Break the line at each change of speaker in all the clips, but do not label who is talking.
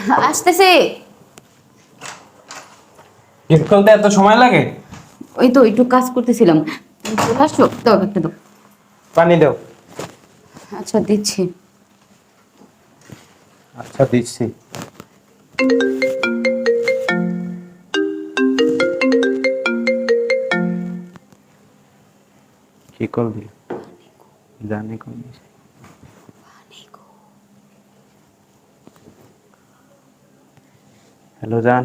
আসতেছে।
গেট খুলতে এত সময় লাগে?
ওই তো একটু কাজ করতেছিলাম। চলে আসছো তো একটা তো।
পানি দাও।
আচ্ছা দিচ্ছি।
আচ্ছা দিচ্ছি। কি করবি? জানি করবি। হ্যালো জান।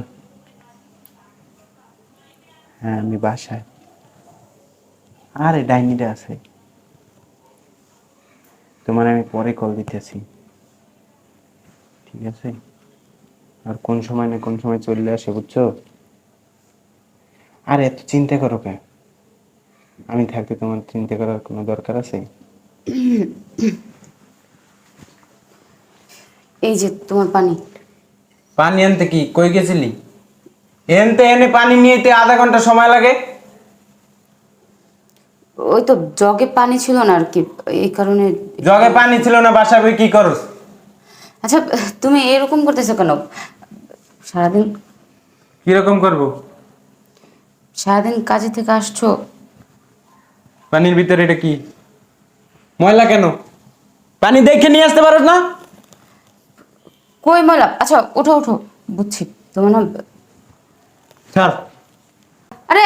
হ্যাঁ আমি বাসায়। আরে ডাইনিটা আছে। তোমার আমি পরে কল দিতেছি। ঠিক আছে? আর কোন সময় না কোন সময় চলে আসে বুঝছো? আরে এত চিন্তা করো কেন? আমি থাকতে তোমার চিন্তা করার কোনো দরকার আছে?
এই যে তোমার পানি।
পানি আনতে কি কই গেছিলি? এনতে এনে পানি নিয়েতে আধা ঘন্টা সময় লাগে।
ওই তো জগে পানি ছিল না আর কি, এই কারণে।
জগে পানি ছিল না, বাসায় বই কি করস?
আচ্ছা, তুমি এরকম করতেছো কেন? সারাদিন
কিরকম করব?
সারাদিন কাজে থেকে আসছো।
পানির ভিতরে এটা কি ময়লা কেন? পানি দেখে নিয়ে আসতে পারো না?
কই ময়লা? আচ্ছা ওঠো ওঠো, বুঝছি তোমার না।
ছাড়।
আরে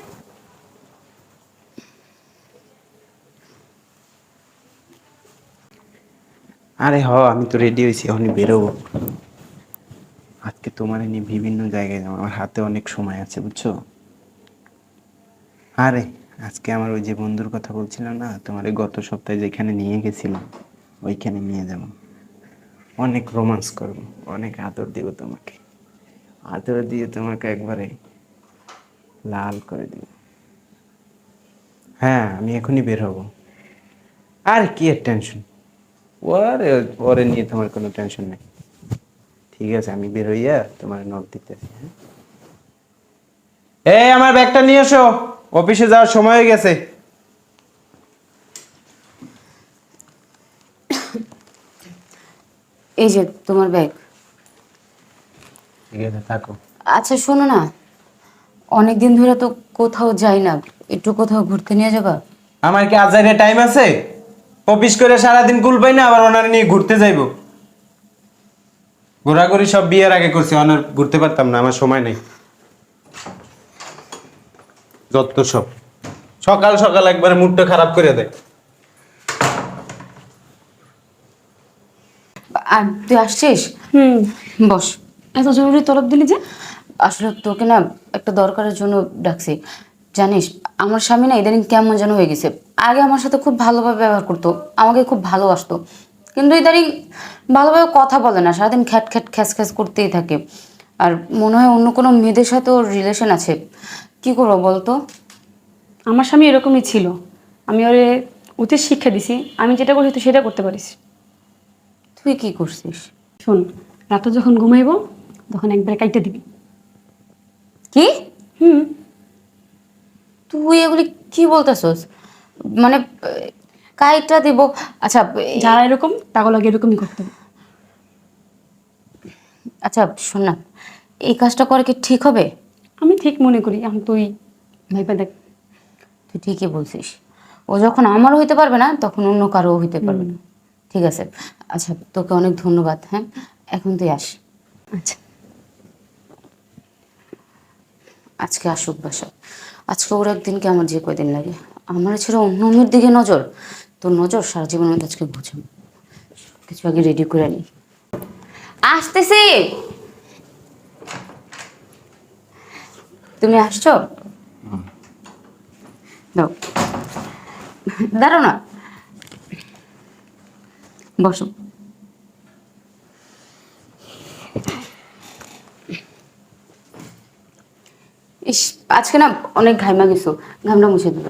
আরে আমি তো রেডি হয়েছি, এখনই বেরোবো। আজকে তোমার নিয়ে বিভিন্ন জায়গায় যাবো, আমার হাতে অনেক সময় আছে বুঝছো। আরে আজকে আমার ওই যে বন্ধুর কথা বলছিলাম না তোমার, গত সপ্তাহে যেখানে নিয়ে গেছিলাম ওইখানে নিয়ে যাব। অনেক রোমান্স করব, অনেক আদর দিব তোমাকে। আদর দিয়ে তোমাকে একবারে লাল করে দিব। হ্যাঁ আমি এখনই বের হব। আর কি এর টেনশন? ওরে ওরে নিয়ে তোমার কোনো টেনশন নেই। ঠিক আছে আমি বের হইয়া তোমার নক দিতেছি। হ্যাঁ এই আমার ব্যাগটা নিয়ে এসো, অফিসে যাওয়ার সময় হয়ে গেছে।
এই যে তোমার ব্যাগ।
ঠিক আছে থাকো।
আচ্ছা শোনো না, অনেকদিন ধরে তো কোথাও যাই না, একটু কোথাও ঘুরতে নিয়ে যাবা?
আমার কি আজাইরে টাইম আছে? অফিস করে সারাদিন কুল পাই না, আবার ওনার নিয়ে ঘুরতে যাইবো? ঘোরাঘুরি সব বিয়ের আগে করছি, অনার ঘুরতে পারতাম না, আমার সময় নেই। যত সব সকাল সকাল একবারে মুডটা খারাপ করে দেয়।
আর তুই আসছিস?
হুম।
বস।
এত জরুরি তলব দিলি যে?
আসলে তোকে না একটা দরকারের জন্য ডাকছি। জানিস, আমার স্বামী না ইদানিং কেমন যেন হয়ে গেছে। আগে আমার সাথে খুব ভালোভাবে ব্যবহার করতো, আমাকে খুব ভালোবাসতো, কিন্তু ইদানিং ভালোভাবে কথা বলে না, সারাদিন খ্যাট খ্যাট খ্যাস খ্যাস করতেই থাকে। আর মনে হয় অন্য কোনো মেয়েদের সাথে ওর রিলেশন আছে। কি করবো বলতো?
আমার স্বামী এরকমই ছিল। আমি ওরে উচিত শিক্ষা দিছি, আমি যেটা করছি তুই সেটা করতে পারিস।
তুই কি করছিস?
শোন, রাতে যখন ঘুমাইবো তখন একবার কাইটে দিবি।
কি?
হুম।
তুই এগুলি কি বলতেছস? মানে কাইটটা দিব? আচ্ছা
যারা এরকম তাগুলো লাগে এরকমই করতে হবে।
আচ্ছা শোন না, এই কাজটা করা কি ঠিক হবে?
আমি ঠিক মনে করি, এখন তুই ভাইবা দেখ।
তুই ঠিকই বলছিস, ও যখন আমারও হইতে পারবে না তখন অন্য কারো হইতে পারবে না। ঠিক আছে, আচ্ছা তোকে অনেক ধন্যবাদ। হ্যাঁ এখন তুই আস।
আচ্ছা।
আজকে আসুক বাসা। আজকে ওর একদিনকে আমার যে কয়দিন লাগে, আমার ছেড়ে অন্য মেয়ের দিকে নজর। তোর নজর সারা জীবনের মধ্যে আজকে বুঝাম। কিছু আগে রেডি করে নি। আসতেছি। তুমি আসছো? দাও, দাঁড়ো না, বসো। ইস, আজকে না অনেক ঘাইমা গেছো, ঘামটা মুছে দেবে।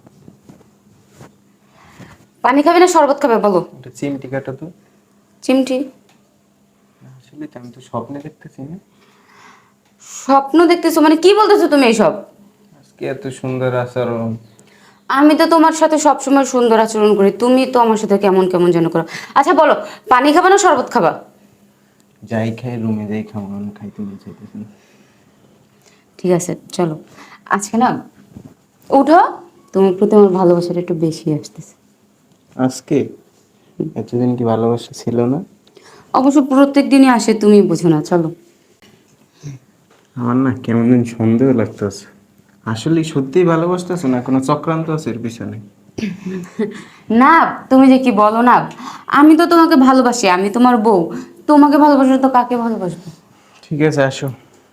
পানি খাবে না শরবত খাবে বলো?
এটা চিমটি কাটা তো।
চিমটি?
আসলে তো আমি তো স্বপ্নে দেখতেছি না।
স্বপ্ন দেখতেছো মানে কি বলতেছো তুমি এইসব?
আজকে এত সুন্দর আচরণ।
আমি তো তোমার সাথে সবসময় সুন্দর আচরণ করি, তুমি তো আমার সাথে কেমন কেমন যেন করো। আচ্ছা বলো, পানি খাবা না শরবত খাবা?
যাই খাই রুমে যাই খাবো, আমি খাইতে চাইতেছি না।
ঠিক আছে চলো, আজকে না উঠো, তোমার প্রতি আমার ভালোবাসাটা একটু বেশি আসতেছে।
আজকে? এতদিন কি ভালোবাসা ছিল না?
অবশ্য প্রত্যেক দিনই আসে, তুমি বুঝো না। চলো।
আমার না কেমন দিন সন্দেহ লাগতেছে, আসলে সত্যিই ভালোবাসতেছো না কোনো চক্রান্ত আছে এর পিছনে?
না, তুমি যে কি বলো না, আমি তো তোমাকে ভালোবাসি, আমি তোমার বউ, তোমাকে ভালোবাসো তো কাকে ভালোবাসবো?
ঠিক আছে আসো।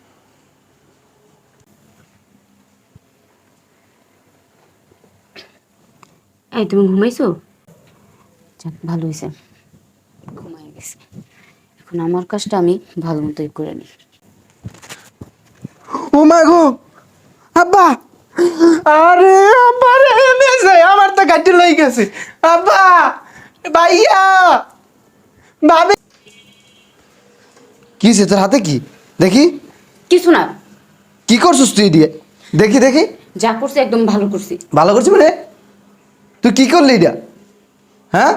এই তুমি ঘুমাইছো? যাক ভালো হয়েছে, ঘুমাই গেছে। এখন আমার কাজটা আমি ভালো মতোই করে নিই।
ও মা গো, আব্বা! আরে আব্বা রে, এনেছে আমার তো গাড়ি লই গেছে। আব্বা, ভাইয়া, ভাবি।
কি সে তোর হাতে কি দেখি?
কিছু না,
কি করছিস তুই দিয়ে? দেখি দেখি।
যা করছি একদম ভালো করছি।
ভালো করছিস মানে? তুই কি করলি এটা? হ্যাঁ,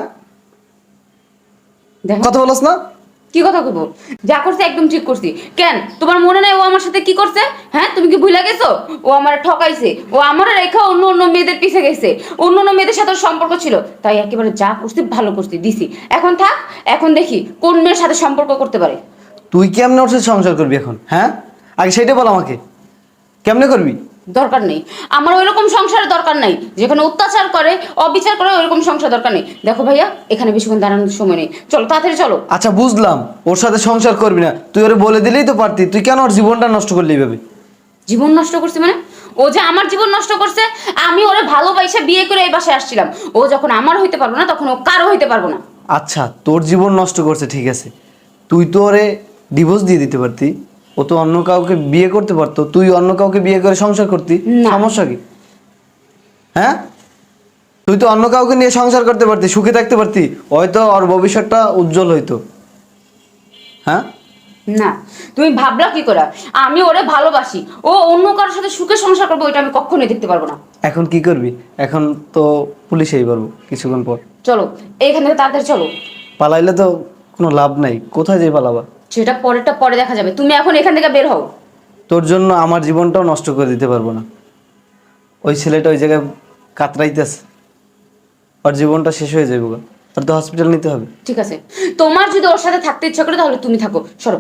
দেখো
কথা বলস না?
কি কথা কইব, যা করছে একদম ঠিক করছি। কেন তোমার মনে নাই ও আমার সাথে কি করছে? হ্যাঁ, তুমি কি ভুলে গেছো? ও আমার ঠকাইছে, ও আমার রেখা অন্য অন্য মেয়েদের পিছে গেছে, অন্য অন্য মেয়েদের সাথে ওর সম্পর্ক ছিল, তাই একেবারে যা করছি ভালো করছি দিছি। এখন থাক, এখন দেখি কোন মেয়ের সাথে সম্পর্ক করতে পারে।
তুই কেমনে ওর সাথে সংসার করবি এখন? হ্যাঁ, আগে সেটা বল আমাকে, কেমনে করবি?
দরকার নেই আমার ওইরকম সংসারের দরকার নাই, যেখানে অত্যাচার করে অবিচার করে ওইরকম সংসার দরকার নেই। দেখো ভাইয়া, এখানে বেশিক্ষণ দাঁড়ানোর সময় নেই, চলো তাড়াতাড়ি চলো।
আচ্ছা বুঝলাম, ওর সাথে সংসার করবি না, তুই ওরে বলে দিলেই তো পারতি, তুই কেন ওর জীবনটা নষ্ট করলি এইভাবে?
জীবন নষ্ট করছে মানে? ও যে আমার জীবন নষ্ট করছে, আমি ওরে ভালোবাসে বিয়ে করে এই বাসায় আসছিলাম। ও যখন আমার হইতে পারবো না, তখন ও কারো হইতে পারবো না।
আচ্ছা তোর জীবন নষ্ট করছে ঠিক আছে, তুই তো ওরে ডিভোর্স দিয়ে দিতে পারতি, ও তো অন্য কাউকে বিয়ে করতে পারতো, তুই অন্য কাউকে বিয়ে করে সংসার করতি,
না।
সমস্যা কি? হ্যাঁ, তুই তো অন্য কাউকে নিয়ে সংসার করতে পারতি, সুখে থাকতে পারতি, হয়তো ওর ভবিষ্যৎটা উজ্জ্বল হইতো। হ্যাঁ,
না, তুমি ভাবলা কি করে আমি ওরে ভালোবাসি, ও অন্য কারোর সাথে সুখে সংসার করবো, এটা আমি কখনোই দেখতে পারবো না।
এখন কি করবি? এখন তো পুলিশেই পারবো কিছুক্ষণ পর।
চলো এইখান থেকে তাড়াতাড়ি চলো।
পালাইলে তো কোনো লাভ নাই, কোথায় যাই পালাবা?
সেটা পরেরটা পরে দেখা যাবে, তুমি এখন এখান থেকে বের হও।
তোর জন্য আমার জীবনটাও নষ্ট করে দিতে পারবো না। ওই ছেলেটা ওই জায়গায় কাতরাইতেছে, ওর জীবনটা শেষ হয়ে যাবে গো। তোর তো হসপিটাল নিতে হবে।
ঠিক আছে, তোমার যদি ওর সাথে থাকতে ইচ্ছা করে তাহলে তুমি থাকো, সরো।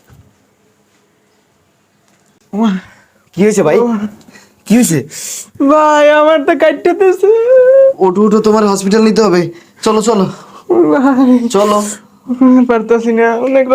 কি হয়েছে ভাই? কি হয়েছে?
ভাই আমার তো কাটতেছে।
ওঠো ওঠো, তোমার হসপিটাল নিতে হবে, চলো চলো
ভাই
চলো।
পারতাছি না, অনেক